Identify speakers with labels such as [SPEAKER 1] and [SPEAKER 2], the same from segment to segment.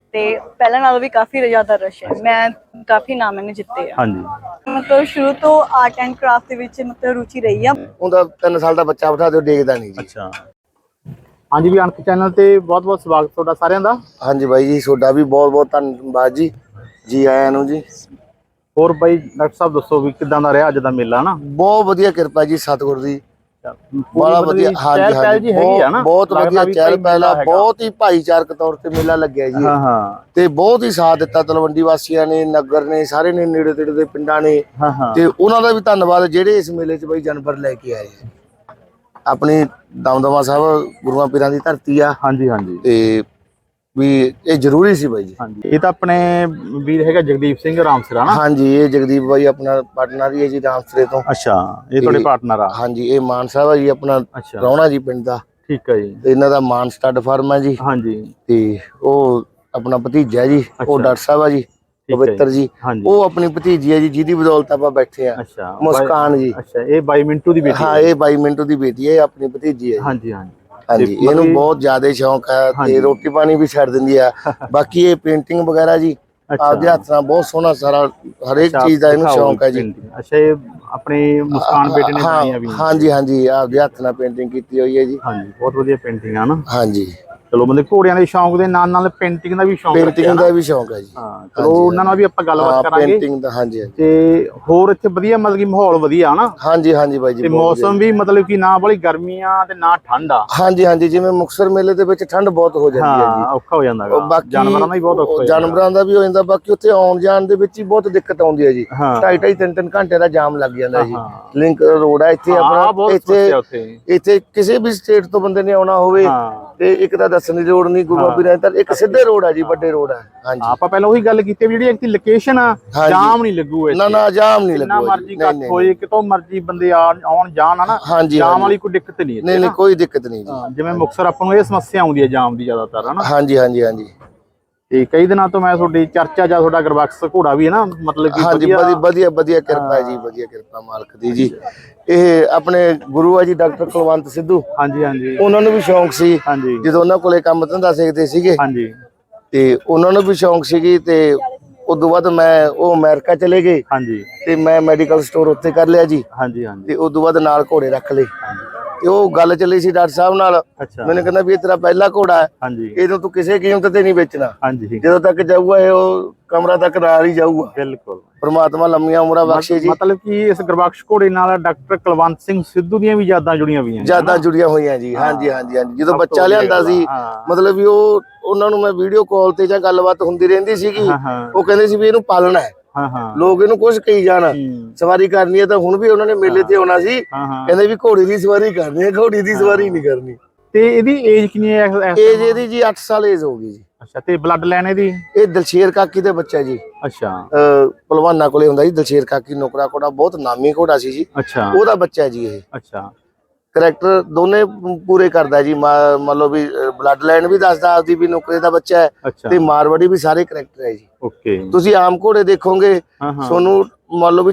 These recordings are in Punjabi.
[SPEAKER 1] ਤੇ ਪਹਿਲਾਂ ਨਾਲੋਂ ਵੀ ਕਾਫੀ ਜ਼ਿਆਦਾ ਰਸ਼ ਹੈ। ਮੈਂ ਕਾਫੀ ਨਾਮ ਮੈंने ਜਿੱਤੇ ਆ।
[SPEAKER 2] ਹਾਂਜੀ
[SPEAKER 1] ਮਤਲਬ ਸ਼ੁਰੂ ਤੋਂ ਆਰਟ ਐਂਡ ਕਰਾਫਟ ਦੇ ਵਿੱਚ ਮਤਲਬ ਰੁਚੀ ਰਹੀ ਆ।
[SPEAKER 3] ਉਹਦਾ 3 ਸਾਲ ਦਾ ਬੱਚਾ ਬਿਠਾ ਦਿਓ ਦੇਖਦਾ ਨਹੀਂ ਜੀ।
[SPEAKER 2] ਅੱਛਾ ਹਾਂਜੀ ਵੀ ਅਣਖ ਚੈਨਲ ਤੇ ਬਹੁਤ ਬਹੁਤ ਸਵਾਗਤ ਤੁਹਾਡਾ ਸਾਰਿਆਂ ਦਾ।
[SPEAKER 3] ਹਾਂਜੀ ਬਾਈ ਜੀ ਤੁਹਾਡਾ ਵੀ ਬਹੁਤ ਬਹੁਤ ਧੰਨਵਾਦ ਜੀ, ਜੀ ਆਇਆਂ ਨੂੰ ਜੀ।
[SPEAKER 2] ਹੋਰ ਬਾਈ ਡਾਕਟਰ ਸਾਹਿਬ ਦੱਸੋ ਵੀ ਕਿਦਾਂ ਦਾ ਰਿਹਾ ਅੱਜ ਦਾ ਮੇਲਾ ਨਾ?
[SPEAKER 3] ਬਹੁਤ ਵਧੀਆ ਕਿਰਪਾ ਜੀ ਸਤਿਗੁਰ ਦੀ,
[SPEAKER 2] ਬੜਾ
[SPEAKER 3] ਵਧੀਆ। ਹਾਂਜੀ ਹਾਂਜੀ ਬਹੁਤ ਵਧੀਆ ਚਹਿਲ ਪਹਿਲ ਆ, ਬਹੁਤ ਹੀ ਭਾਈਚਾਰਕ ਤੌਰ ਤੇ ਮੇਲਾ ਲੱਗਿਆ ਜੀ।
[SPEAKER 2] ਹਾਂ ਹਾਂ
[SPEAKER 3] ਤੇ ਬਹੁਤ ਹੀ ਸਾਥ ਦਿੱਤਾ ਤਲਵੰਡੀ ਵਾਸੀਆਂ ਨੇ, ਨਗਰ ਨੇ, ਸਾਰੇ ਨੇ, ਨੇੜੇ ਤੇੜੇ ਦੇ ਪਿੰਡਾਂ ਨੇ।
[SPEAKER 2] ਹਾਂ ਹਾਂ
[SPEAKER 3] ਤੇ ਉਹਨਾਂ ਦਾ ਵੀ ਧੰਨਵਾਦ ਜਿਹੜੇ ਇਸ ਮੇਲੇ 'ਚ ਬਾਈ ਜਾਨਵਰ ਲੈ ਕੇ ਆਏ। ਆਪਣੀ ਦਮਦਮਾ ਸਾਹਿਬ ਗੁਰੂਆਂ ਪੀਰਾਂ ਦੀ ਧਰਤੀ ਆ।
[SPEAKER 2] ਹਾਂਜੀ ਹਾਂਜੀ
[SPEAKER 3] ਤੇ ਵੀ ਇਹ ਜ਼ਰੂਰੀ ਸੀ ਬਾਈ ਜੀ।
[SPEAKER 2] ਹਾਂਜੀ ਇਹ ਤਾਂ ਆਪਣੇ ਵੀਰ ਹੈਗਾ ਜਗਦੀਪ ਸਿੰਘ ਰਾਮਸਰਾ ਨਾ?
[SPEAKER 3] ਹਾਂਜੀ ਇਹ ਜਗਦੀਪ ਬਾਈ ਆਪਣਾ ਪਾਰਟਨਰ ਹੀ ਹੈ ਜੀ ਰਾਮਸਰੇ ਤੋਂ।
[SPEAKER 2] ਅੱਛਾ ਇਹ ਤੁਹਾਡੇ ਪਾਰਟਨਰ ਆ?
[SPEAKER 3] ਹਾਂਜੀ ਇਹ ਮਾਨ ਸਾਹਿਬ ਆ ਜੀ ਆਪਣਾ
[SPEAKER 2] ਅੱਛਾ
[SPEAKER 3] ਰੌਣਾ ਜੀ ਪਿੰਡ ਦਾ।
[SPEAKER 2] ਠੀਕ ਹੈ ਜੀ।
[SPEAKER 3] ਤੇ ਇਹਨਾਂ ਦਾ ਮਾਨ ਸਟੱਡ ਫਾਰਮ ਹੈ ਜੀ।
[SPEAKER 2] ਹਾਂਜੀ
[SPEAKER 3] ਤੇ ਉਹ ਆਪਣਾ ਭਤੀਜਾ ਜੀ, ਉਹ ਡਾਕਟਰ ਸਾਹਿਬ ਆ ਜੀ ਪਵਿੱਤਰ ਜੀ, ਉਹ ਆਪਣੀ ਭਤੀਜੀ ਹੈ ਜੀ ਜਿਹਦੀ ਬਦੌਲਤ ਆਪਾਂ ਬੈਠੇ ਆ।
[SPEAKER 2] ਅੱਛਾ
[SPEAKER 3] ਮੁਸਕਾਨ ਜੀ।
[SPEAKER 2] ਅੱਛਾ ਇਹ ਬਾਈ ਮਿੰਟੂ ਦੀ ਬੇਟੀ?
[SPEAKER 3] ਹਾਂ ਇਹ ਬਾਈ ਮਿੰਟੂ ਦੀ ਬੇਟੀ ਹੈ, ਇਹ ਆਪਣੀ ਭਤੀਜੀ ਹੈ।
[SPEAKER 2] ਹਾਂਜੀ ਹਾਂਜੀ
[SPEAKER 3] ਹਾਂਜੀ ਇਹਨੂੰ ਬਹੁਤ ਜ਼ਿਆਦਾ ਸ਼ੌਂਕ ਹੈ ਤੇ ਰੋਟੀ ਪਾਣੀ ਵੀ ਛੱਡ ਦਿੰਦੀ ਆ। ਬਾਕੀ ਇਹ ਪੇਂਟਿੰਗ ਵਗੈਰਾ ਜੀ ਆਪਦੇ ਹੱਥ ਨਾਲ ਬਹੁਤ ਸੋਹਣਾ ਸਾਰਾ ਹਰੇਕ ਚੀਜ਼ ਦਾ ਇਹਨੂੰ ਸ਼ੌਂਕ ਹੈ ਜੀ।
[SPEAKER 2] ਅੱਛਾ ਇਹ ਆਪਣੀ ਮੁਸਕਾਨ ਬੇਟੇ ਨੇ ਬਣਾਈਆਂ ਵੀ?
[SPEAKER 3] ਹਾਂਜੀ ਹਾਂਜੀ ਆਪਦੇ ਹੱਥ ਨਾਲ ਪੇਂਟਿੰਗ ਕੀਤੀ ਹੋਈ ਹੈ ਜੀ।
[SPEAKER 2] ਹਾਂਜੀ ਬਹੁਤ ਵਧੀਆ ਪੇਂਟਿੰਗ ਆ ਨਾ?
[SPEAKER 3] ਹਾਂਜੀ
[SPEAKER 2] ਚਲੋ ਮਤਲਬ ਘੋੜਿਆਂ ਦੇ ਸ਼ੌਂਕ ਦੇ ਨਾਲ ਨਾਲ ਪੇਂਟਿੰਗ ਦਾ ਵੀ ਸ਼ੌਂਕ ਰੱਖਿਆ?
[SPEAKER 3] ਪੇਂਟਿੰਗ ਦਾ ਵੀ ਸ਼ੌਂਕ ਹੈ ਜੀ।
[SPEAKER 2] ਹਾਂ ਚਲੋ ਉਹਨਾਂ ਨਾਲ ਵੀ ਆਪਾਂ ਗੱਲਬਾਤ ਕਰਾਂਗੇ।
[SPEAKER 3] ਪੇਂਟਿੰਗ ਦਾ ਹਾਂਜੀ
[SPEAKER 2] ਤੇ ਹੋਰ ਇੱਥੇ ਵਧੀਆ ਮਤਲਬ ਕਿ ਮਾਹੌਲ ਵਧੀਆ ਹਨਾ?
[SPEAKER 3] ਹਾਂਜੀ ਹਾਂਜੀ ਬਾਈ ਜੀ।
[SPEAKER 2] ਤੇ ਮੌਸਮ ਵੀ ਮਤਲਬ ਕਿ ਨਾ ਬੜੀ ਗਰਮੀਆਂ ਤੇ ਨਾ ਠੰਡ ਆ?
[SPEAKER 3] ਹਾਂਜੀ ਹਾਂਜੀ ਜਿਵੇਂ ਮੁਕਤਸਰ ਮੇਲੇ ਦੇ ਵਿੱਚ ਠੰਡ ਬਹੁਤ ਹੋ ਜਾਂਦੀ ਹੈ ਜੀ।
[SPEAKER 2] ਹਾਂ ਔਖਾ ਹੋ ਜਾਂਦਾ ਗਾ, ਜਾਨਵਰਾਂ ਦਾ ਵੀ ਬਹੁਤ ਔਖਾ ਹੋ ਜਾਂਦਾ।
[SPEAKER 3] ਜਾਨਵਰਾਂ ਦਾ ਵੀ ਹੋ ਜਾਂਦਾ, ਬਾਕੀ ਉੱਥੇ ਆਉਣ ਜਾਣ ਦੇ ਵਿੱਚ ਹੀ ਬਹੁਤ ਦਿੱਕਤ ਆਉਂਦੀ ਹੈ ਜੀ। 2.5 3 ਘੰਟੇ ਦਾ ਜਾਮ ਲੱਗ ਜਾਂਦਾ ਜੀ। ਲਿੰਕ ਰੋਡ ਹੈ ਇੱਥੇ ਆਪਣਾ, ਇੱਥੇ ਕਿਸੇ ਵੀ ਸਟੇਟ ਤੋਂ ਬੰਦੇ ਨੇ ਆਉਣਾ ਹੋਵੇ ਤੇ ਇੱਕ ਤਾਂ ਦੱਸਣ ਦੀ ਲੋੜ ਨਹੀਂ, ਗੁਰੂ ਪੀਰਾਂ ਦੀ ਇੱਕ ਸਿੱਧੇ ਰੋਡ ਆ ਜੀ, ਵੱਡੇ ਰੋਡ ਆ। ਹਾਂਜੀ ਆਪਾਂ
[SPEAKER 2] ਪਹਿਲਾਂ ਉਹੀ ਗੱਲ ਕੀਤੀ ਜਿਹੜੀ ਇੱਕ ਲੋਕੇਸ਼ਨ ਆ, ਜਾਮ ਨਹੀਂ ਲੱਗੂ ਇੱਥੇ।
[SPEAKER 3] ਨਾ ਨਾ ਜਾਮ ਨਹੀਂ ਲੱਗੂ,
[SPEAKER 2] ਜਿੰਨਾ ਮਰਜ਼ੀ ਕੱਟ ਹੋਏ, ਕਿਤੋਂ ਮਰਜ਼ੀ ਬੰਦੇ ਆਉਣ ਜਾਣ ਹਨਾ, ਜਾਮ ਵਾਲੀ ਕੋਈ ਦਿੱਕਤ ਨਹੀਂ।
[SPEAKER 3] ਨਹੀਂ ਨਹੀਂ ਕੋਈ ਦਿੱਕਤ ਨਹੀਂ ਜੀ।
[SPEAKER 2] ਜਿਵੇਂ ਮੁਕਤਸਰ ਆਪਾਂ ਨੂੰ ਇਹ ਸਮੱਸਿਆ ਆਉਂਦੀ ਹੈ ਜਾਮ ਦੀ ਜ਼ਿਆਦਾਤਰ ਹਨਾ?
[SPEAKER 3] ਹਾਂਜੀ ਹਾਂਜੀ ਹਾਂਜੀ।
[SPEAKER 2] ਤੇ ਕਈ ਦਿਨਾਂ ਤੋਂ ਮੈਂ ਤੁਹਾਡੀ ਚਰਚਾ ਜਾਂ ਤੁਹਾਡਾ ਗੁਰਬਖਸ਼ ਘੋੜਾ ਵੀ ਹੈ ਨਾ, ਮਤਲਬ ਕਿ
[SPEAKER 3] ਹਾਂਜੀ ਵਧੀਆ ਵਧੀਆ ਕਿਰਪਾ ਹੈ ਜੀ, ਵਧੀਆ ਕਿਰਪਾ ਮਾਲਕ ਦੀ ਜੀ। ਇਹ ਆਪਣੇ ਗੁਰੂ ਆ ਜੀ ਡਾਕਟਰ ਕੁਲਵੰਤ ਸਿੱਧੂ।
[SPEAKER 2] ਹਾਂਜੀ ਹਾਂਜੀ
[SPEAKER 3] ਉਹਨਾਂ ਨੂੰ ਵੀ ਸ਼ੌਂਕ ਸੀ ਜਦੋਂ ਉਹਨਾਂ ਕੋਲੇ ਕੰਮ ਧੰਦਾ ਸਿੱਖਦੇ ਸੀਗੇ।
[SPEAKER 2] ਹਾਂਜੀ
[SPEAKER 3] ਤੇ ਉਹਨਾਂ ਨੂੰ ਵੀ ਸ਼ੌਂਕ ਸੀਗੀ ਤੇ ਉਦੋਂ ਬਾਅਦ ਉਹ ਅਮਰੀਕਾ ਚਲੇ ਗਏ।
[SPEAKER 2] ਹਾਂਜੀ
[SPEAKER 3] ਤੇ ਮੈਂ ਮੈਡੀਕਲ ਸਟੋਰ ਉੱਥੇ ਕਰ ਲਿਆ ਜੀ।
[SPEAKER 2] ਹਾਂਜੀ ਹਾਂਜੀ
[SPEAKER 3] ਤੇ ਉਦੋਂ ਬਾਅਦ ਨਾਲ ਘੋੜੇ ਰੱਖ ਲਏ। ਤੇ ਉਹ ਗੱਲ ਚੱਲੀ ਸੀ ਡਾਕਟਰ ਸਾਹਿਬ ਨਾਲ, ਮੈਨੂੰ ਕਹਿੰਦਾ ਵੀ ਇਹ ਤੇਰਾ ਪਹਿਲਾ ਘੋੜਾ ਹੈ, ਇਹਨੂੰ ਤੂੰ ਕਿਸੇ ਕੀਮਤ ਤੇ ਨਹੀਂ ਵੇਚਣਾ, ਜਦੋਂ ਤੱਕ ਜਾਊਗਾ ਇਹ ਉਹ ਕਮਰਾ ਤੱਕ ਨਾਲ ਹੀ ਜਾਊਗਾ।
[SPEAKER 2] ਬਿਲਕੁਲ
[SPEAKER 3] ਪਰਮਾਤਮਾ ਲੰਮੀਆਂ ਉਮਰਾਂ ਬਖਸ਼ੇ ਜੀ।
[SPEAKER 2] ਮਤਲਬ ਕਿ ਇਸ ਗੁਰਬਖਸ਼ ਘੋੜੇ ਨਾਲ ਡਾਕਟਰ ਕੁਲਵੰਤ ਸਿੰਘ ਸਿੱਧੂ ਦੀਆਂ ਵੀ ਯਾਦਾਂ ਜੁੜੀਆਂ ਹੋਈਆਂ?
[SPEAKER 3] ਯਾਦਾਂ ਜੁੜੀਆਂ ਹੋਈਆਂ ਜੀ। ਹਾਂਜੀ ਹਾਂਜੀ ਹਾਂਜੀ। ਜਦੋਂ ਬੱਚਾ ਲਿਆਂਦਾ ਸੀ ਮਤਲਬ ਵੀ ਉਹਨਾਂ ਨੂੰ ਮੈਂ ਵੀਡੀਓ ਕਾਲ ਤੇ ਜਾਂ ਗੱਲਬਾਤ ਹੁੰਦੀ ਰਹਿੰਦੀ ਸੀਗੀ, ਉਹ ਕਹਿੰਦੇ ਸੀ ਵੀ ਇਹਨੂੰ ਪਾਲਣਾ ਹੈ। ਲੋਕ ਇਹਨੂੰ ਕੁਝ ਕਹੀ ਜਾਣ, ਸਵਾਰੀ ਕਰਨੀ ਹੈ ਤਾਂ ਹੁਣ ਵੀ ਉਹਨਾਂ ਨੇ ਮੇਲੇ ਤੇ ਆਉਣਾ ਸੀ, ਕਹਿੰਦੇ ਵੀ ਘੋੜੀ ਦੀ ਸਵਾਰੀ ਕਰਨੀ ਹੈ, ਘੋੜੀ ਦੀ ਸਵਾਰੀ ਨਹੀਂ ਕਰਨੀ।
[SPEAKER 2] ਤੇ ਇਹਦੀ ਏਜ ਕਿੰਨੀ ਹੈ?
[SPEAKER 3] ਏਜ ਇਹਦੀ ਜੀ 8 ਸਾਲ ਏਜ ਹੋ ਗਈ ਜੀ।
[SPEAKER 2] ਅੱਛਾ ਤੇ ਬਲੱਡ ਲਾਈਨ ਇਹਦੀ? ਇਹ
[SPEAKER 3] ਦਲਸ਼ੇਰ ਕਾਕੀ ਦੇ ਬੱਚਾ ਜੀ।
[SPEAKER 2] ਅੱਛਾ
[SPEAKER 3] ਪਹਿਲਵਾਨਾਂ ਕੋਲੇ ਹੁੰਦਾ ਜੀ ਦਲਸ਼ੇਰ ਕਾਕੀ, ਨੌਕਰਾ ਘੋੜਾ, ਬਹੁਤ ਨਾਮੀ ਘੋੜਾ ਸੀ ਜੀ।
[SPEAKER 2] ਅੱਛਾ
[SPEAKER 3] ਉਹਦਾ ਬੱਚਾ ਜੀ ਇਹ।
[SPEAKER 2] ਅੱਛਾ
[SPEAKER 3] ਕਰੈਕਟਰ ਦੋਨੇ ਪੂਰੇ ਕਰਦਾ ਜੀ। ਮੰਨ ਲਓ ਵੀ ਬਲੱਡ ਲਾਈਨ ਵੀ ਦੱਸਦਾ ਆਪਦੀ ਵੀ ਨੌਕਰੇ ਦਾ ਬੱਚਾ ਹੈ, ਤੇ ਮਾਰਵਾੜੀ ਵੀ ਸਾਰੇ ਕਰੈਕਟਰ ਹੈ ਜੀ।
[SPEAKER 2] ਓਕੇ
[SPEAKER 3] ਤੁਸੀਂ ਆਮ ਘੋੜੇ ਦੇਖੋਗੇ ਤੁਹਾਨੂੰ ਮੰਨ ਲਓ ਵੀ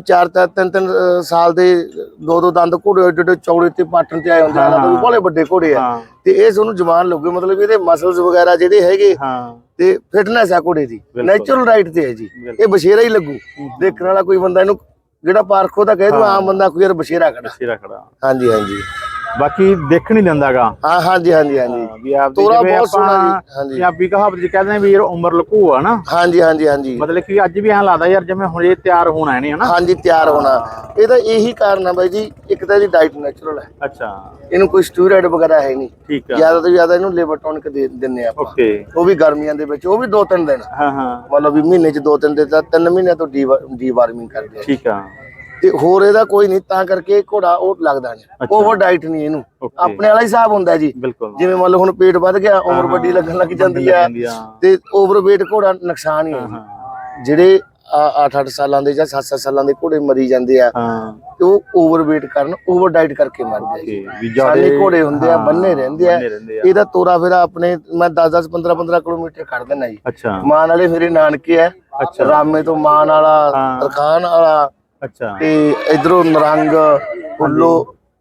[SPEAKER 3] 3 ਸਾਲ ਦੇ 2 ਦੰਦ ਘੋੜੇ ਏਡੇ ਚੌੜੇ ਤੇ ਪਾਟਣ ਤੇ ਆਏ ਹੁੰਦੇ ਆ, ਬੜੇ ਵੱਡੇ ਘੋੜੇ ਆ। ਤੇ ਇਹ ਤੁਹਾਨੂੰ ਜਵਾਨ ਲੱਗੂ, ਮਤਲਬ ਇਹਦੇ ਮਸਲਸ ਵਗੈਰਾ ਜਿਹੜੇ ਹੈਗੇ ਤੇ ਫਿਟਨੈਸ ਆ ਘੋੜੇ ਦੀ, ਨੈਚੁਰਲ ਰਾਈਟ ਤੇ ਹੈ ਜੀ। ਇਹ ਬਸ਼ੇਰਾ ਹੀ ਲੱਗੂ ਦੇਖਣ ਵਾਲਾ ਕੋਈ ਬੰਦਾ, ਇਹਨੂੰ ਜਿਹੜਾ ਪਾਰਖੋ ਤਾਂ ਕਹਿ ਦੂ ਆਮ ਬੰਦਾ ਕੋਈ ਯਾਰ ਬਸ਼ੇਰਾ ਖੜਾ। ਹਾਂਜੀ ਹਾਂਜੀ
[SPEAKER 2] ਬਾਕੀ ਦੇਖਣ ਹੀ ਦਿੰਦਾਗਾ।
[SPEAKER 3] ਹਾਂ ਹਾਂਜੀ ਹਾਂਜੀ ਹਾਂਜੀ
[SPEAKER 2] ਤੋਰਾ ਬਹੁਤ ਸੋਹਣਾ ਜੀ। ਹਾਂਜੀ ਪੰਜਾਬੀ ਕਹਾਵਤ ਜੀ ਕਹਿੰਦੇ ਵੀ ਉਮਰ ਲਕੂ ਆ ਨਾ? ਹਾਂਜੀ ਹਾਂਜੀ ਹਾਂਜੀ। ਮਤਲਬ ਕਿ ਅੱਜ ਵੀ ਐਂ ਲੱਗਦਾ ਯਾਰ ਜਿਵੇਂ ਹੁਣ ਇਹ ਤਿਆਰ ਹੋਣਾ ਇਹਨੇ ਹਨਾ? ਹਾਂਜੀ ਤਿਆਰ ਹੋਣਾ।
[SPEAKER 3] ਇਹਦਾ ਇਹੀ ਕਾਰਨ ਹੈ ਬਾਈ ਜੀ, ਇੱਕ ਤਾਂ ਇਹਦੀ ਡਾਈਟ ਨੈਚੁਰਲ ਹੈ।
[SPEAKER 2] ਅੱਛਾ
[SPEAKER 3] ਇਹਨੂੰ ਕੋਈ ਸਟੀਰੋਇਡ ਵਗੈਰਾ ਹੈ ਨਹੀਂ।
[SPEAKER 2] ਠੀਕ ਹੈ।
[SPEAKER 3] ਜ਼ਿਆਦਾ ਤੋਂ ਜ਼ਿਆਦਾ ਇਹਨੂੰ ਲਿਵਰ ਟੌਨਿਕ ਦੇ ਦਿੰਨੇ ਆਪਾਂ।
[SPEAKER 2] ਓਕੇ।
[SPEAKER 3] ਉਹ ਵੀ ਗਰਮੀਆਂ ਦੇ ਵਿੱਚ, ਉਹ ਵੀ 2-3 ਦਿਨ।
[SPEAKER 2] ਹਾਂ ਹਾਂ
[SPEAKER 3] ਮਤਲਬ ਵੀ ਮਹੀਨੇ 'ਚ 2-3 ਦਿਨ, 3 ਮਹੀਨਿਆਂ ਤੋਂ ਡੀਵਾਰਮਿੰਗ ਕਰਦੇ ਆ।
[SPEAKER 2] ਠੀਕ ਆ।
[SPEAKER 3] ਤੇ ਹੋਰ ਇਹਦਾ ਕੋਈ ਨਹੀਂ, ਤਾਂ ਕਰਕੇ ਘੋੜਾ ਉਹ ਲੱਗਦਾ ਨਹੀਂ, ਓਵਰ ਡਾਈਟ ਨਹੀਂ ਇਹਨੂੰ, ਆਪਣੇ ਵਾਲਾ ਹਿਸਾਬ ਹੁੰਦਾ ਜੀ। ਜਿਵੇਂ ਮੰਨ ਲਓ ਹੁਣ ਪੇਟ ਵੱਧ ਗਿਆ, ਉਮਰ ਵੱਡੀ ਲੱਗਣ ਲੱਗ ਜਾਂਦੀ ਹੈ, ਤੇ ਓਵਰਵੇਟ ਘੋੜਾ ਨੁਕਸਾਨ ਹੀ ਹੈ ਜੀ। ਜਿਹੜੇ 8-8 ਸਾਲਾਂ ਦੇ ਜਾਂ 7-7 ਸਾਲਾਂ ਦੇ ਘੋੜੇ ਮਰੀ ਜਾਂਦੇ ਆ, ਤੇ ਉਹ ਓਵਰਵੇਟ ਕਰਨ, ਓਵਰ ਡਾਈਟ ਕਰਕੇ ਮਰਦੇ ਆ ਜੀ। ਸਾਡੇ ਘੋੜੇ ਹੁੰਦੇ ਆ, ਬੰਨੇ ਰਹਿੰਦੇ ਆ। ਇਹਦਾ ਤੋਰਾ ਫੇਰਾ ਆਪਣੇ ਮੈਂ 10-10 15-15 ਕਿਲੋਮੀਟਰ ਕੱਢ ਦਿੰਦਾ ਜੀ। ਮਾਨ ਵਾਲੇ ਮੇਰੇ ਨਾਨਕੇ ਆ, ਰਾਮੇ ਤੋਂ ਮਾਨ ਵਾਲਾ, ਤਰਖਾਨ ਵਾਲਾ, ਤੇ ਇਧਰੋਂ ਨਰੰਗ, ਫੁੱਲੋ,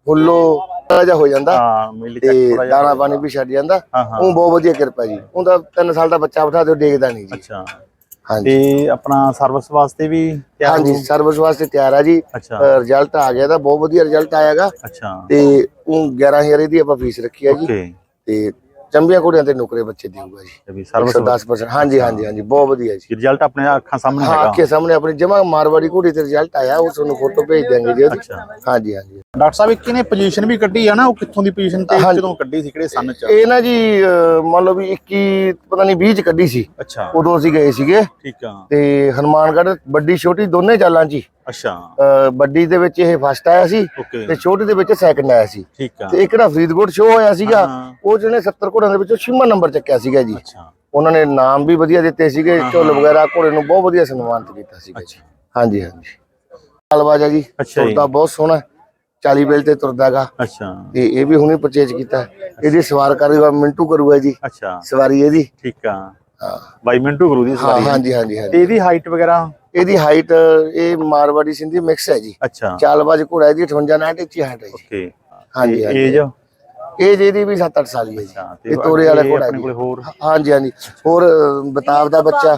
[SPEAKER 3] ਫੁੱਲੋ ਜਿਹਾ ਹੋ ਜਾਂਦਾ
[SPEAKER 2] ਮੇਲੇ
[SPEAKER 3] ਤੇ
[SPEAKER 2] ਚੱਕ
[SPEAKER 3] ਦਾਣਾ ਪਾਣੀ ਵੀ ਛੱਡ ਜਾਂਦਾ। ਉਹ ਬਹੁਤ ਵਧੀਆ ਕਿਰਪਾ ਜੀ। ਉਹਦਾ 3 ਸਾਲ ਦਾ ਬੱਚਾ ਬਿਠਾ ਦਿਓ ਡੇਗਦਾ ਨਹੀਂ ਜੀ।
[SPEAKER 2] ਅੱਛਾ
[SPEAKER 3] ਹਾਂਜੀ
[SPEAKER 2] ਤੇ ਆਪਣਾ ਸਰਵਿਸ ਵਾਸਤੇ ਵੀ ਤਿਆਰ
[SPEAKER 3] ਹਾਂਜੀ ਸਰਵਿਸ ਵਾਸਤੇ ਤਿਆਰ ਆ ਜੀ। ਰਿਜ਼ਲਟ ਆ ਗਿਆ ਤਾਂ ਬਹੁਤ ਵਧੀਆ ਰਿਜ਼ਲਟ ਆਇਆਗਾ।
[SPEAKER 2] ਅੱਛਾ
[SPEAKER 3] ਤੇ ਉਹ 11000 ਦੀ ਆਪਾਂ ਫੀਸ ਰੱਖੀ ਆ ਜੀ। ਤੇ ਚੰਬੀਆਂ ਕੁੜੀਆਂ ਤੇ ਨੁਕਰੇ ਬੱਚੇ ਦੇਊਗਾ ਜੀ 110%। ਹਾਂਜੀ ਹਾਂਜੀ ਹਾਂਜੀ ਬਹੁਤ ਵਧੀਆ ਜੀ।
[SPEAKER 2] ਰਿਜ਼ਲਟ ਆਪਣੇ ਅੱਖਾਂ ਸਾਹਮਣੇ
[SPEAKER 3] ਹਾਂ ਅੱਖਾਂ ਸਾਹਮਣੇ ਆਪਣੀ ਜਮਾ ਮਾਰਵਾੜੀ ਘੋੜੀ ਤੇ ਰਿਜ਼ਲਟ ਆਇਆ। ਉਹ ਤੁਹਾਨੂੰ ਫੋਟੋ ਭੇਜ ਦਿਆਂਗੇ ਜੀ। ਹਾਂਜੀ ਹਾਂਜੀ
[SPEAKER 2] ਡਾਕਟਰ ਸਾਹਿਬ ਇੱਕ ਇਹਨੇ ਪੋਜੀਸ਼ਨ ਵੀ ਕੱਢੀ ਆ ਨਾ, ਉਹ ਕਿੱਥੋਂ ਦੀ ਪੋਜੀਸ਼ਨ ਤੇ ਕਦੋਂ ਕੱਢੀ ਸੀ, ਕਿਹੜੇ ਸੰਨ ਚ?
[SPEAKER 3] ਇਹ ਨਾ ਜੀ ਮੰਨ ਲਓ ਵੀ 21 ਪਤਾ ਨਹੀਂ 20 ਚ ਕੱਢੀ ਸੀ।
[SPEAKER 2] ਅੱਛਾ
[SPEAKER 3] ਉਦੋਂ ਅਸੀਂ ਗਏ ਸੀਗੇ।
[SPEAKER 2] ਠੀਕ ਆ।
[SPEAKER 3] ਤੇ ਹਨੂਮਾਨਗੜ੍ਹ ਵੱਡੀ ਛੋਟੀ ਦੋਨੇ ਚਾਲਾਂ ਜੀ।
[SPEAKER 2] ਅੱਛਾ
[SPEAKER 3] ਵੱਡੀ ਦੇ ਵਿੱਚ ਇਹ ਫਸਟ ਆਇਆ ਸੀ ਤੇ ਛੋਟੀ ਦੇ ਵਿੱਚ ਸੈਕੰਡ ਆਇਆ ਸੀ।
[SPEAKER 2] ਠੀਕ ਆ।
[SPEAKER 3] ਤੇ ਇੱਕ ਨਾ ਫਰੀਦਕੋਟ ਸ਼ੋਅ ਹੋਇਆ ਸੀਗਾ, ਉਹ ਜਿਹਨੇ 70 ਘੋੜਿਆਂ ਦੇ ਵਿੱਚੋਂ 6ਵਾਂ ਨੰਬਰ ਚੱਕਿਆ ਸੀਗਾ ਜੀ। ਉਹਨਾਂ ਨੇ ਨਾਮ ਵੀ ਵਧੀਆ ਦਿੱਤੇ ਸੀਗੇ, ਝੁੱਲ ਵਗੈਰਾ ਘੋੜੇ ਨੂੰ ਬਹੁਤ ਵਧੀਆ ਸਨਮਾਨਿਤ ਕੀਤਾ ਸੀਗਾ ਜੀ। ਹਾਂਜੀ ਹਾਂਜੀ ਲਾਲਬਾਜਾ ਜੀ ਤੁਰਦਾ ਬਹੁਤ ਸੋਹਣਾ 40 ਬੇਲ ਤੇ ਤੁਰਦਾ ਹੈਗਾ।
[SPEAKER 2] ਅੱਛਾ
[SPEAKER 3] ਤੇ ਇਹ ਵੀ ਹੁਣੇ ਪਰਚੇਜ ਕੀਤਾ। ਇਹਦੀ ਸਵਾਰ ਕਰੇਗਾ ਮਿੰਟੂ ਕਰੂਗਾ ਜੀ।
[SPEAKER 2] ਅੱਛਾ
[SPEAKER 3] ਸਵਾਰੀ ਇਹਦੀ।
[SPEAKER 2] ਠੀਕ ਆ। ਹਾਂ ਬਾਈ ਮਿੰਟੂ ਗੁਰੂ ਦੀ ਸਵਾਰੀ।
[SPEAKER 3] ਹਾਂਜੀ ਹਾਂਜੀ
[SPEAKER 2] ਤੇ ਇਹਦੀ ਹਾਈਟ ਵਗੈਰਾ?
[SPEAKER 3] ਇਹਦੀ ਹਾਈਟ ਇਹ ਮਾਰਵਾੜੀ ਸਿੰਧੀ ਮਿਕਸ ਹੈ ਜੀ।
[SPEAKER 2] ਅੱਛਾ
[SPEAKER 3] ਚਾਲਬਾਜ਼ ਘੋੜਾ ਇਹਦੀ 58 59 ਇੰਚ ਹਾਈਟ ਹੈ ਜੀ।
[SPEAKER 2] ਓਕੇ
[SPEAKER 3] ਹਾਂਜੀ
[SPEAKER 2] ਏਜ?
[SPEAKER 3] ਏਜ ਇਹਦੀ ਵੀ 7-8 ਸਾਲ ਹੀ ਹੈ ਜੀ। ਇਹ ਤੋਰੇ ਵਾਲਾ ਘੋੜਾ ਜੀ। ਹਾਂਜੀ ਹਾਂਜੀ ਹੋਰ ਬਤਾਵ ਦਾ ਬੱਚਾ,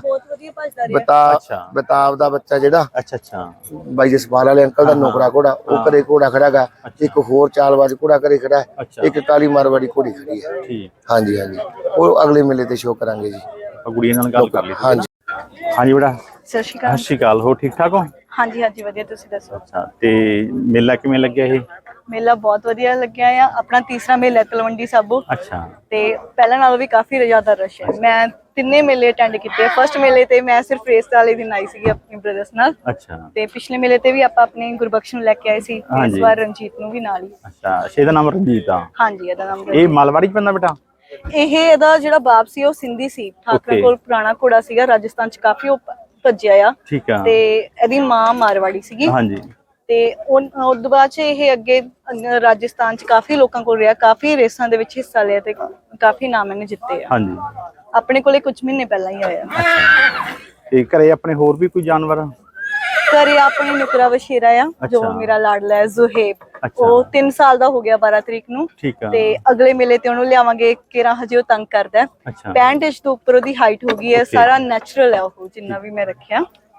[SPEAKER 3] ਬਤਾਵ ਦਾ ਬੱਚਾ ਜਿਹੜਾ
[SPEAKER 2] ਅੱਛਾ ਅੱਛਾ
[SPEAKER 3] ਬਾਈ ਜਸਪਾਲ ਵਾਲੇ ਅੰਕਲ ਦਾ ਨੌਕਰਾ ਘੋੜਾ, ਉਹ ਘਰੇ ਘੋੜਾ ਖੜਾ ਗਾ। ਇੱਕ ਹੋਰ ਚਾਲਬਾਜ਼ ਘੋੜਾ ਘਰੇ ਖੜਾ ਹੈ। ਇੱਕ ਕਾਲੀ ਮਾਰਵਾੜੀ ਘੋੜੀ ਖੜੀ ਹੈ। ਹਾਂਜੀ ਹਾਂਜੀ ਉਹ ਅਗਲੇ ਮੇਲੇ ਤੇ ਸ਼ੋਅ ਕਰਾਂਗੇ ਜੀ।
[SPEAKER 2] ਗੁੜੀਆਂ ਨਾਲ ਗੱਲ ਕਰ ਲਈ।
[SPEAKER 3] ਹਾਂਜੀ
[SPEAKER 2] ਹਾਂਜੀ ਬੇਟਾ
[SPEAKER 1] ਸਤਿ ਸ਼੍ਰੀ ਅਕਾਲ।
[SPEAKER 2] ਸਤਿ ਸ਼੍ਰੀ ਅਕਾਲ। ਹੋ ਠੀਕ ਠਾਕ ਹੋ?
[SPEAKER 1] ਹਾਂਜੀ ਹਾਂਜੀ ਵਧੀਆ, ਤੁਸੀਂ ਦੱਸੋ?
[SPEAKER 2] ਅੱਛਾ ਤੇ ਮੇਲਾ ਕਿਵੇਂ ਲੱਗਿਆ ਇਹ?
[SPEAKER 1] ਮੇਲਾ ਬਹੁਤ ਵਧੀਆ ਲੱਗਿਆ ਆ। ਆਪਣਾ ਤੀਸਰਾ ਮੇਲਾ ਤਲਵੰਡੀ ਸਾਬੋ।
[SPEAKER 2] ਅੱਛਾ
[SPEAKER 1] ਤੇ ਪਹਿਲਾਂ ਨਾਲੋਂ ਵੀ ਕਾਫੀ ਜ਼ਿਆਦਾ ਰਸ਼ ਹੈ। ਮੈਂ 3 ਮੇਲੇ ਅਟੈਂਡ ਕੀਤੇ। ਫਸਟ ਮੇਲੇ ਤੇ ਮੈਂ ਸਿਰਫ ਰੇਸ ਵਾਲੇ ਦਿਨ ਆਈ ਸੀਗੀ ਆਪਣੇ ਬ੍ਰਦਰਸ ਨਾਲ।
[SPEAKER 2] ਅੱਛਾ ਤੇ
[SPEAKER 1] ਪਿਛਲੇ ਮੇਲੇ ਤੇ ਵੀ ਆਪਾਂ ਆਪਣੇ ਗੁਰਬਖਸ਼ ਨੂੰ ਲੈ ਕੇ ਆਏ ਸੀ। ਇਸ ਵਾਰ ਰਣਜੀਤ ਨੂੰ ਵੀ ਨਾਲ ਹੀ।
[SPEAKER 2] ਅੱਛਾ ਇਹਦਾ ਨਾਮ ਰਣਜੀਤ ਆ? ਹਾਂਜੀ
[SPEAKER 1] ਇਹਦਾ ਨਾਮ।
[SPEAKER 2] ਇਹ ਮਾਲਵਾੜੀ ਚ ਪੈਂਦਾ ਬੇਟਾ?
[SPEAKER 1] ਇਹਦਾ ਜਿਹੜਾ ਬਾਪ ਸੀ ਉਹ ਸਿੰਧੀ ਸੀ। ਠਾਕਰਾਂ ਕੋਲ ਪੁਰਾਣਾ ਘੋੜਾ ਸੀਗਾ, ਰਾਜਸਥਾਨ ਚ ਕਾਫੀ ਉਹ ਭੱਜਿਆ ਆ।
[SPEAKER 2] ਠੀਕ ਆ।
[SPEAKER 1] ਤੇ ਇਹਦੀ ਮਾਂ ਮਾਰਵਾੜੀ ਸੀਗੀ।
[SPEAKER 2] ਹਾਂਜੀ
[SPEAKER 1] ਤੇ ਉਸ ਤੋਂ ਬਾਅਦ ਚ ਇਹ ਅੱਗੇ ਰਾਜਸਥਾਨ ਚ ਕਾਫੀ ਲੋਕਾਂ ਕੋਲ ਰਿਹਾ, ਕਾਫੀ ਰੇਸਾਂ ਦੇ ਵਿੱਚ ਹਿੱਸਾ ਲਿਆ ਤੇ ਕਾਫੀ ਨਾਮ ਇਹਨੇ ਜਿੱਤੇ ਆ।
[SPEAKER 2] ਹਾਂਜੀ
[SPEAKER 1] ਆਪਣੇ ਕੋਲੇ ਕੁਝ ਮਹੀਨੇ ਪਹਿਲਾਂ ਹੀ ਆਇਆ।
[SPEAKER 2] ਤੇ ਘਰੇ ਆਪਣੇ ਹੋਰ ਵੀ ਕੋਈ ਜਾਨਵਰ?
[SPEAKER 1] ਘਰੇ ਆਪਣੇ ਨੁਕਰਾ ਵਸ਼ੇਰਾ ਆ ਜੋ ਮੇਰਾ ਲਾਡਲਾ ਹੈ ਜ਼ੁਹੇਬ। ਉਹ 3 ਸਾਲ ਦਾ ਹੋ ਗਿਆ 12 ਤਰੀਕ ਨੂੰ। ਤੇ ਅਗਲੇ ਮੇਲੇ ਤੇ ਉਹਨੂੰ ਲਿਆਵਾਂਗੇ। ਕੇਰਾ ਹਜੇ ਉਹ ਤੰਗ ਕਰਦਾ। 65 ਇੰਚ ਤੋਂ ਉੱਪਰ ਉਹਦੀ ਹਾਈਟ ਹੋ ਗਈ ਹੈ। ਸਾਰਾ ਨੈਚੁਰਲ ਹੈ ਉਹ ਜਿੰਨਾ ਵੀ ਮੈਂ ਰੱਖਿਆ।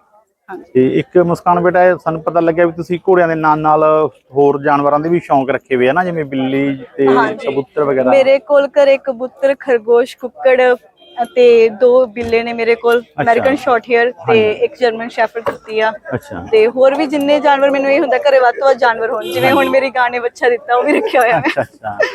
[SPEAKER 2] ਤੇ ਇੱਕ ਮੁਸਕਾਨ ਬੇਟਾ ਸਾਨੂੰ ਪਤਾ ਲੱਗਿਆ ਵੀ ਤੁਸੀਂ ਘੋੜਿਆਂ ਦੇ ਨਾਲ ਹੋਰ ਜਾਨਵਰਾਂ ਦੇ ਵੀ ਸ਼ੌਂਕ ਰੱਖੇ ਹੋਏ ਆ ਨਾ, ਜਿਵੇਂ ਬਿੱਲੀ ਤੇ ਕਬੂਤਰ ਵਗੈਰਾ? ਮੇਰੇ
[SPEAKER 1] ਕੋਲ ਘਰੇ ਕਬੂਤਰ, ਖਰਗੋਸ਼, ਕੁੱਕੜ ਅਤੇ 2 ਬਿੱਲੇ ਨੇ ਮੇਰੇ ਕੋਲ। ਅਮਰੀਕਨ ਸ਼ਾਰਟ ਹੇਅਰ ਤੇ ਇੱਕ ਜਰਮਨ ਸ਼ੈਫਰਡ ਕੁੱਤੀ ਆ। ਤੇ ਹੋਰ ਵੀ ਜਿੰਨੇ ਜਾਨਵਰ, ਮੈਨੂੰ ਇਹ ਹੁੰਦਾ ਘਰੇ ਵੱਧ ਤੋਂ ਵੱਧ ਜਾਨਵਰ ਹੋਣ। ਜਿਵੇਂ ਹੁਣ ਮੇਰੀ ਗਾਂ ਨੇ ਬੱਚਾ ਦਿੱਤਾ, ਉਹ ਵੀ ਰੱਖਿਆ ਹੋਇਆ ਮੈਂ।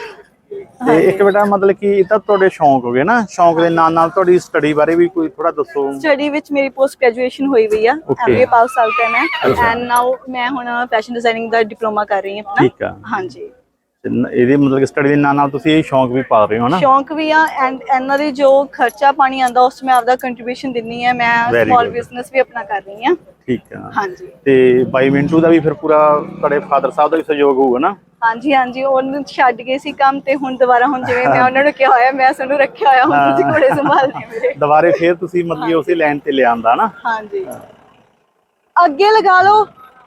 [SPEAKER 2] ਤੇ ਇੱਕ ਬੇਟਾ ਮਤਲਬ ਕਿ ਇਹ ਤਾਂ ਤੁਹਾਡੇ ਸ਼ੌਂਕ ਹੋ ਗਏ ਨਾ, ਸ਼ੌਂਕ ਦੇ ਨਾਲ ਨਾਲ ਤੁਹਾਡੀ ਸਟੱਡੀ ਬਾਰੇ ਵੀ ਕੋਈ ਥੋੜਾ ਦੱਸੋ।
[SPEAKER 1] ਸਟੱਡੀ ਵਿੱਚ ਮੇਰੀ ਪੋਸਟ ਗ੍ਰੈਜੂਏਸ਼ਨ ਹੋਈ ਵੀ ਆ। MBA ਪਾਸ ਆਊਟ ਹੈ ਮੈਂ। ਐਂਡ ਨਾਓ ਮੈਂ ਹੁਣ ਫੈਸ਼ਨ ਡਿਜ਼ਾਈਨਿੰਗ ਦਾ ਡਿਪਲੋਮਾ ਕਰ ਰਹੀ ਹਾਂ।
[SPEAKER 2] ਠੀਕ ਆ।
[SPEAKER 1] ਹਾਂਜੀ
[SPEAKER 2] ਇਹਦੇ ਮਤਲਬ ਕਿ ਸਟੱਡੀ ਦੇ ਨਾਲ ਨਾਲ ਤੁਸੀਂ ਇਹ ਸ਼ੌਂਕ ਵੀ ਪਾ ਰਹੇ ਹੋ ਨਾ?
[SPEAKER 1] ਸ਼ੌਂਕ ਵੀ ਆ। ਐਂਡ ਇਹਨਾਂ ਦੀ ਜੋ ਖਰਚਾ ਪਾਣੀ ਆਉਂਦਾ ਉਸ ਮੈਂ ਆਪਦਾ ਕੰਟਰੀਬਿਊਸ਼ਨ ਦਿੰਨੀ ਆ। ਮੈਂ ਸਮਾਲ ਬਿਜ਼ਨਸ ਵੀ ਆਪਣਾ ਕਰ ਰਹੀ ਹਾਂ।
[SPEAKER 2] ਠੀਕ ਆ।
[SPEAKER 1] ਹਾਂਜੀ
[SPEAKER 2] ਤੇ ਬਾਈ ਮਿੰਟੂ ਦਾ ਵੀ ਫਿਰ ਪੂਰਾ ਤੁਹਾਡੇ ਫਾਦਰ ਸਾਹਿਬ ਦਾ ਵੀ ਸਹਿਯੋਗ ਹੋਊਗਾ ਨਾ?
[SPEAKER 1] ਹਾਂਜੀ ਹਾਂਜੀ ਉਹਨੂੰ ਛੱਡ ਗਏ ਸੀ ਕੰਮ ਤੇ ਹੁਣ ਦੁਬਾਰਾ, ਹੁਣ ਜਿਵੇਂ ਮੈਂ ਉਹਨਾਂ ਨੂੰ ਕਿਹਾ ਹੋਇਆ ਮੈਂ ਸਾਨੂੰ ਰੱਖਿਆ ਹੋਇਆ, ਹੁਣ ਤੁਸੀਂ ਘੋੜੇ ਸੰਭਾਲਣੇ ਮੇਰੇ।
[SPEAKER 2] ਦੁਬਾਰੇ ਫਿਰ ਤੁਸੀਂ ਮਤਲਬ ਉਸੇ ਲਾਈਨ ਤੇ ਲਿਆਂਦਾ ਨਾ?
[SPEAKER 1] ਹਾਂਜੀ ਅੱਗੇ ਲਗਾ ਲਓ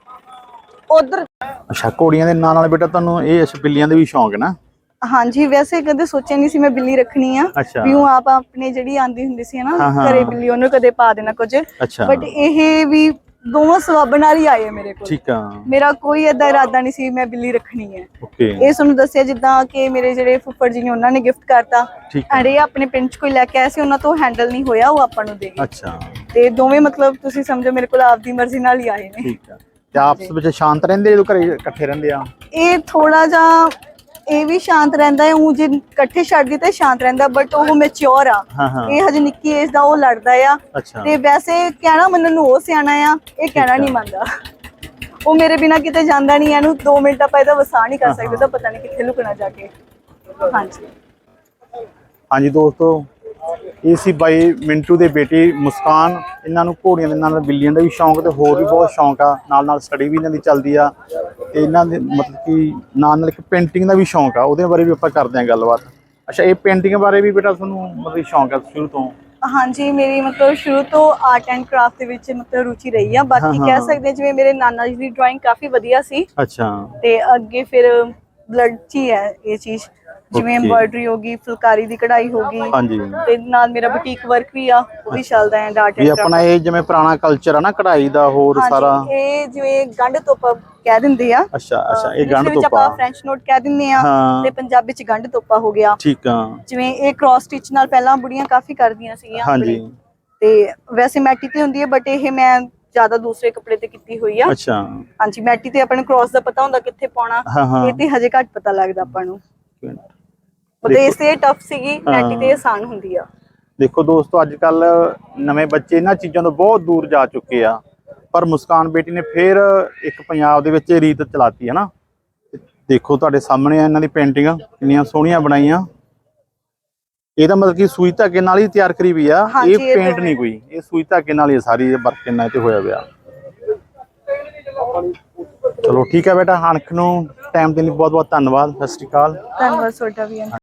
[SPEAKER 1] ਉਧਰ।
[SPEAKER 2] ਅੱਛਾ ਘੋੜੀਆਂ ਦੇ ਨਾਲ ਨਾਲ ਬੇਟਾ ਤੁਹਾਨੂੰ ਇਹ ਬਿੱਲੀਆਂ ਦੇ ਵੀ ਸ਼ੌਂਕ ਹੈ ਨਾ?
[SPEAKER 1] ਹਾਂਜੀ ਵੈਸੇ ਕਦੇ ਸੋਚਿਆ ਨਹੀਂ ਸੀ ਮੈਂ ਬਿੱਲੀ ਰੱਖਣੀ ਆ। ਵੀ ਉਹ ਆਪ ਆਪਣੇ ਜਿਹੜੀ ਆਂਦੀ ਹੁੰਦੀ ਸੀ ਨਾ ਘਰੇ ਬਿੱਲੀ, ਉਹਨੂੰ ਕਦੇ ਪਾ ਦੇਣਾ ਕੁਝ। ਬਟ ਇਹ ਵੀ ਦੋਵਾਂ ਸਵਾਬ ਨਾਲ ਹੀ ਆਏ ਮੇਰੇ ਕੋਲ।
[SPEAKER 2] ਠੀਕ ਆ।
[SPEAKER 1] ਮੇਰਾ ਕੋਈ ਏਦਾਂ ਇਰਾਦਾ ਨਹੀਂ ਸੀ ਮੈਂ ਬਿੱਲੀ ਰੱਖਣੀ ਹੈ। ਇਹ ਤੁਹਾਨੂੰ ਦੱਸਿਆ ਜਿੱਦਾਂ ਕਿ ਮੇਰੇ ਜਿਹੜੇ ਫੁੱਫੜ ਜੀ ਨੇ ਉਹਨਾਂ ਨੇ ਗਿਫਟ ਕਰਤਾ। ਅਰੇ ਆਪਣੇ ਪਿੰਡ ਚ ਕੋਈ ਲੈ ਕੇ ਆਇਆ ਸੀ, ਉਹਨਾਂ ਤੋਂ ਹੈਂਡਲ ਨਹੀਂ ਹੋਇਆ, ਉਹ ਆਪਾਂ ਨੂੰ ਦੇ ਗਏ। ਅੱਛਾ ਤੇ ਦੋਵੇਂ ਮਤਲਬ ਤੁਸੀਂ ਸਮਝੋ ਮੇਰੇ ਕੋਲ ਆਪਦੀ ਮਰਜ਼ੀ ਨਾਲ ਹੀ ਆਏ ਨੇ। ਠੀਕ ਆ।
[SPEAKER 2] ਤੇ ਆਪਸ ਵਿੱਚ ਸ਼ਾਂਤ ਰਹਿੰਦੇ ਜਦੋਂ ਘਰੇ ਇਕੱਠੇ ਰਹਿੰਦੇ ਆ?
[SPEAKER 1] ਇਹ ਥੋੜਾ ਜਿਹਾ ਇਹ ਵੀ ਸ਼ਾਂਤ ਰਹਿੰਦਾ ਹੈ। ਉਹ ਜੇ ਇਕੱਠੇ ਛੱਡ ਦਿੱਤੇ ਸ਼ਾਂਤ ਰਹਿੰਦਾ, ਬਟ ਉਹ ਮੈਚਿਓਰ ਆ। ਇਹ ਹਜੇ ਨਿੱਕੀ ਏਜ ਦਾ, ਉਹ ਲੜਦਾ ਆ। ਤੇ ਵੈਸੇ ਕਹਿਣਾ ਮੰਨਣ ਨੂੰ ਉਹ ਸਿਆਣਾ ਆ, ਇਹ ਕਹਿਣਾ ਨਹੀਂ ਮੰਨਦਾ। ਉਹ ਮੇਰੇ ਬਿਨਾ ਕਿਤੇ ਜਾਂਦਾ ਨਹੀਂ। ਇਹਨੂੰ 2 ਮਿੰਟ ਆਪਾਂ ਇਹਦਾ ਵਸਾ ਨਹੀਂ ਕਰ ਸਕਦੇ ਤਾਂ ਪਤਾ ਨਹੀਂ ਕਿੱਥੇ ਲੁਕਣਾ ਜਾ ਕੇ। ਹਾਂਜੀ
[SPEAKER 2] ਹਾਂਜੀ ਦੋਸਤੋ, ਇਹ ਸੀ ਬਾਈ ਮਿੰਟੂ ਦੇ ਬੇਟੀ ਮੁਸਕਾਨ। ਇਹਨਾਂ ਨੂੰ ਘੋੜੀਆਂ ਦੇ ਨਾਲ ਬਿੱਲੀਆਂ ਦਾ ਵੀ ਸ਼ੌਂਕ ਤੇ ਹੋਰ ਵੀ ਬਹੁਤ ਸ਼ੌਂਕ ਆ। ਨਾਲ ਨਾਲ ਸਟੱਡੀ ਵੀ ਇਹਨਾਂ ਦੀ ਚੱਲਦੀ ਆ। ਤੇ ਇਹਨਾਂ ਦੇ ਮਤਲਬ ਕਿ ਨਾਲ ਨਾਲ ਇੱਕ ਪੇਂਟਿੰਗ ਦਾ ਵੀ ਸ਼ੌਂਕ ਆ, ਉਹਦੇ ਬਾਰੇ ਵੀ ਆਪਾਂ ਕਰਦੇ ਹਾਂ ਗੱਲਬਾਤ। ਅੱਛਾ ਇਹ ਪੇਂਟਿੰਗ ਬਾਰੇ ਵੀ ਬੇਟਾ ਤੁਹਾਨੂੰ ਮਤਲਬ ਸ਼ੌਂਕ ਆ ਸ਼ੁਰੂ ਤੋਂ?
[SPEAKER 1] ਹਾਂਜੀ ਮੇਰੀ ਮਤਲਬ ਸ਼ੁਰੂ ਤੋਂ ਆਰਟ ਐਂਡ ਕਰਾਫਟ ਦੇ ਵਿੱਚ ਮਤਲਬ ਰੁਚੀ ਰਹੀ ਆ। ਬਾਕੀ ਕਹਿ ਸਕਦੇ ਜਿਵੇਂ ਮੇਰੇ ਨਾਨਾ ਜੀ ਦੀ ਡਰਾਇੰਗ ਕਾਫੀ ਵਧੀਆ ਸੀ।
[SPEAKER 2] ਅੱਛਾ।
[SPEAKER 1] ਤੇ ਅੱਗੇ ਫਿਰ ਬਲੱਡ 'ਚ ਹੀ ਹੈ ਇਹ ਚੀਜ਼। ਜਿਵੇਂ ਐਮਬਰਾਇਡਰੀ ਹੋ ਗਈ, ਫੁਲਕਾਰੀ ਦੀ ਕਢਾਈ ਹੋ ਗਈ,
[SPEAKER 2] ਹਾਂਜੀ
[SPEAKER 1] ਤੇ ਨਾਲ ਮੇਰਾ ਬੁਟੀਕ ਵਰਕ ਵੀ ਆ, ਉਹ ਵੀ ਚੱਲਦਾ ਹੈ ਡਾਟ
[SPEAKER 2] ਵੀ ਆਪਣਾ ਇਹ ਜਿਵੇਂ ਪੁਰਾਣਾ ਕਲਚਰ ਆ ਨਾ ਕਢਾਈ ਦਾ ਹੋਰ ਸਾਰਾ।
[SPEAKER 1] ਇਹ ਜਿਵੇਂ ਗੰਢ ਤੋਪਾ ਕਹਿ ਦਿੰਦੇ ਆ।
[SPEAKER 2] ਅੱਛਾ ਇਹ ਗੰਢ ਤੋਪਾ
[SPEAKER 1] ਆਪਾਂ ਫ੍ਰੈਂਚ ਨੋਟ ਕਹਿ ਦਿੰਦੇ ਆ, ਤੇ ਪੰਜਾਬੀ ਚ ਗੰਢ ਤੋਪਾ ਹੋ ਗਿਆ।
[SPEAKER 2] ਠੀਕ ਆ।
[SPEAKER 1] ਜਿਵੇਂ ਇਹ ਕ੍ਰਾਸ ਸਟਿਚ ਨਾਲ ਪਹਿਲਾਂ ਬੁੜੀਆਂ ਕਾਫੀ ਕਰਦੀਆਂ ਸੀਗੀਆਂ।
[SPEAKER 2] ਹਾਂਜੀ
[SPEAKER 1] ਤੇ ਵੈਸੇ ਮੈਟੀ ਤੇ ਹੁੰਦੀ ਹੈ, ਬਟ ਇਹ ਮੈਂ ਜ਼ਿਆਦਾ ਦੂਸਰੇ ਕੱਪੜੇ ਤੇ ਕੀਤੀ ਹੋਈ ਆ।
[SPEAKER 2] ਅੱਛਾ
[SPEAKER 1] ਹਾਂਜੀ, ਮੈਟੀ ਤੇ ਆਪਾਂ ਨੂੰ ਕ੍ਰਾਸ ਦਾ ਪਤਾ ਹੁੰਦਾ ਕਿੱਥੇ ਪਾਉਣਾ, ਇਹ ਤੇ ਹਜੇ ਘੱਟ ਪਤਾ ਲੱਗਦਾ ਆਪਾਂ ਨੂੰ। ਉਹਦੇ ਇਸ ਤੇ ਟਫ ਸੀਗੀ, ਮੈਟੀ ਤੇ ਆਸਾਨ ਹੁੰਦੀ ਆ।
[SPEAKER 2] ਦੇਖੋ ਦੋਸਤੋ, ਅੱਜ ਕੱਲ ਨਵੇਂ ਬੱਚੇ ਇਹਨਾਂ ਚੀਜ਼ਾਂ ਤੋਂ ਬਹੁਤ ਦੂਰ ਜਾ ਚੁੱਕੇ ਆ, ਪਰ ਮੁਸਕਾਨ ਬੇਟੀ ਨੇ ਫੇਰ ਇੱਕ ਪੰਜਾਬ ਦੇ ਵਿੱਚ ਰੀਤ ਚਲਾਤੀ ਹੈ ਨਾ। ਦੇਖੋ ਤੁਹਾਡੇ ਸਾਹਮਣੇ ਆ ਇਹਨਾਂ ਦੀ ਪੇਂਟਿੰਗ ਕਿੰਨੀਆਂ ਸੋਹਣੀਆਂ ਬਣਾਈਆਂ। ਇਹਦਾ ਮਤਲਬ ਕਿ ਸੂਈ ਧਾਗੇ ਨਾਲ ਹੀ ਤਿਆਰ ਕਰੀ ਵੀ ਆ, ਇਹ ਪੇਂਟ ਨਹੀਂ ਕੋਈ, ਇਹ ਸੂਈ ਧਾਗੇ ਨਾਲ ਹੀ ਸਾਰੀ ਵਰਕ ਇਹਨਾਂ ਤੇ ਹੋਇਆ ਪਿਆ। ਚਲੋ ਠੀਕ ਹੈ ਬੇਟਾ, ਅਣਖ ਨੂੰ ਟਾਈਮ ਦੇਣ ਲਈ ਬਹੁਤ ਬਹੁਤ ਧੰਨਵਾਦ। ਸਤਿ ਸ਼੍ਰੀ ਅਕਾਲ।
[SPEAKER 1] ਧੰਨਵਾਦ ਤੁਹਾਡਾ ਵੀ।